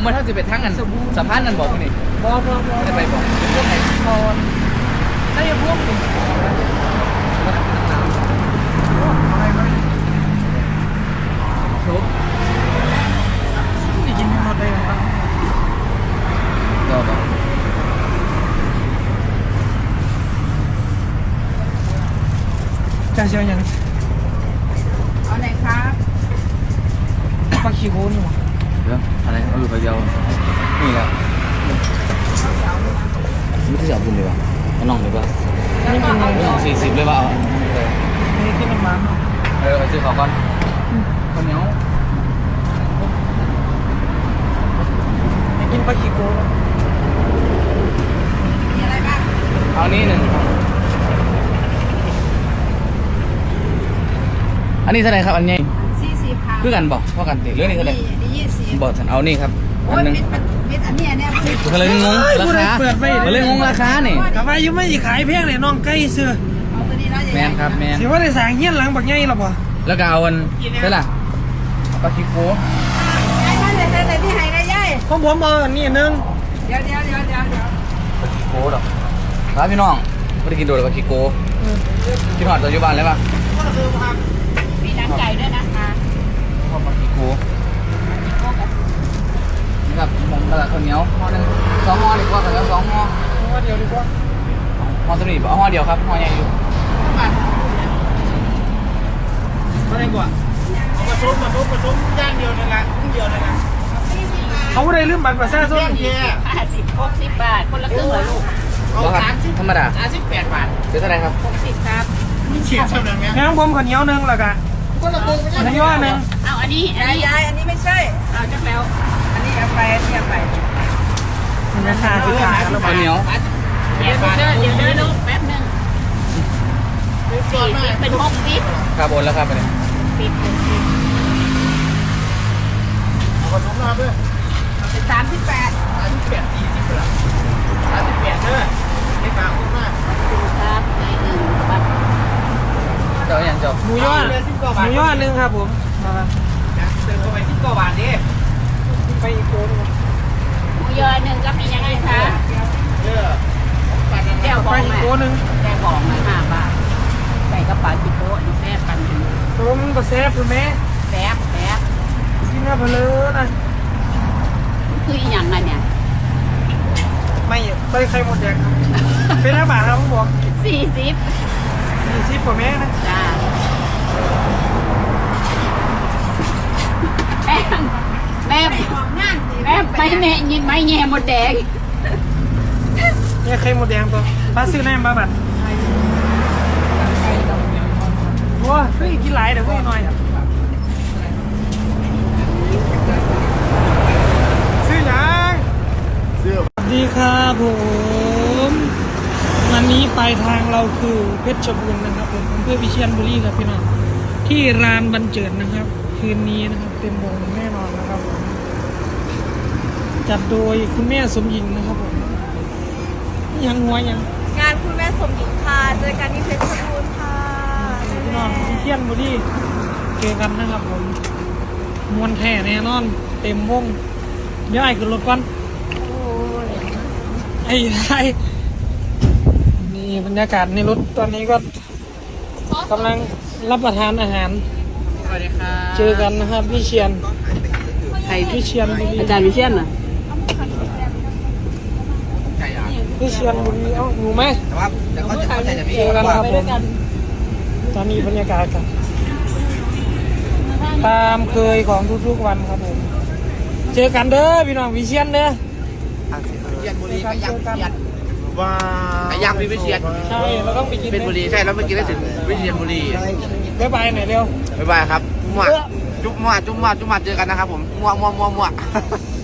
มาถ้าจะไปทั้งกันสะพานนั่นบอกนี่บอจะไปบอกพวกไหนคอนได้ยังพวกนี่ชุบนี่กินหมดเลยครับก็จะเชียวยังเอาไหนครับปลาขี้โคนอยู่เรื่องอะไรเอาอยู่ไปเดียวนี่แหละไม่ที่จะเอาบุญเลยว่ะเอาน้องเลยป่ะไม่กินเลย 40เลยป่ะเอาไม่กินน้ำมันไปซื้อของก่อนข้าวเหนียวไม่กินปลาขี้โคนมีอะไรบ้างเอานี่1อันนี้เท่าไหร่ครับอันนี้ 40ครับคือกันบอกเท่ากันติเรื่องนี้เท่าไหร่นี่20 บอกฉันเอานี่ครับอันนึงอันนี้ก็เลยงงราคาก็เลยงงราคานี่กาแฟยังไม่ขายเพียงเลยน้องใกล้เสื้อเอาตัวนี้แล้วแมนครับแมนสิว่าได้สั่งเงี้ยหลังบักไงหรอปะแล้วก็เอาอันใช่ล่ะปลาคิโก้ไอ้ท่านเด็ดที่ไหนนะย่ายของผมเอาอันนี้นึงเดี๋ยวปลาคิโก้ดอกครับพี่น้องไม่ได้กินโดดปลาคิโก้กินหอดตัวอยู่บ้านเลยป่ะมีน้ำไก่ด้วยนะคะปลาคิโก้นี่ครับผมกระดาษข้าวเหนียวห่อหนึ่ง2 ห่อดีกว่าข้าวเหนียว2 ห่อห่อเดียวดีกว่าห่อตัวนี้เอาห่อเดียวครับห่อใหญ่อยู่ก็ได้กว่าผสมย่างเดียวนั่นแหละครึ่งเดียวนั่นแหละเขาได้ลืมบัตรประชาชน 50-60 บาทคนละครึ่งเหรอลูกธรรมดา 38 บาทเป็นเท่าไหร่ครับ 60ครับมีเฉียดเท่านั้นไงงั้นผมข้าวเหนียวนึงแล้วกันคนละครึ่งอันนี้ว่านึงเอาอันนี้ยายอันนี้ไม่ใช่เอาจักแล้วอันนี้เอาไปราคาที่ขายแล้วข้าวเหนียวเดี๋ยวลูกแป๊บนึง40เป็นมุกปิดครับโอนแล้วครับไปเลยปิดเอาผสมมาเพื่อเป็น38 เด้อไม่ฝากคุณมากครับใน1บัตรเจ้าอย่างเจ้าหมูยอดนึงครับผมเติมเข้าไป10 บาทดิไปอีกโกนหมูยอ1ก็มียังไงคะแก้วบองอีกโกนึงแก้วบอง5 บาทใส่กระป๋าจิโก้นี่แซ่บกันผมก็แซ่บถูกไหมแซ่บกินหน้าเพลินนะคืออีหยังเนี่ยไม่ใส่ไข่หมดแดงเป็น5 บาทครับผมบอก40กว่าแม่นะจ้าแม่ไม่แม่ยินไม่แง่หมดแดงเนี่ยไข่หมดแดงตัวป้าซื้อแน่มาบัดว้าเฮ้ยกินหลายเดี๋ยวเพิ่งหน่อยซื้อยังดีครับผมวันนี้ปลายทางเราคือเพชรบูรณ์นะครับผมอำเภอวิเชียรบุรีครับพี่น้องที่ร้านบรรเจิดนะครับคืนนี้นะครับเต็มวงแน่นอนนะครับผมจัดโดยคุณแม่สมหญิงนะครับผมยังหัวยังงานคุณแม่สมหญิงค่ะเจอกันที่เพชรบูรณ์ค่ะพี่น้องวิเชียรบุรีเจอกันนะครับผมมวนแท้แน่นอนเต็มวงเดี๋ยวไอ้ขึ้นรถก่อนไอ้นี่บรรยากาศในรถตอนนี้ก็กำลังรับประทานอาหารสวัสดีครับเจอกันนะครับพี่เชียนใครพี่เชียนอาจารย์พี่เชียนน่ะพี่เชียนบุรีเอ้าหนูไหมแต่ว่าเขาจะเจอกันครับผมตอนนี้บรรยากาศกันตามเคยของทุกๆวันครับผมเจอกันเด้อพี่น้องวิเชียนเด้อเชียนบุรีกับยักษ์เชียนว้ายักษ์วิเชียนใช่แล้วก็ไปกินเป็นบุรีใช่แล้วเมื่อกี้ได้ถึงวิเชียรบุรีบ๊ายบายหน่อยเร็วบ๊ายบายครับมั่วจุ๊บมั่วเจอกันนะครับผมมั่ว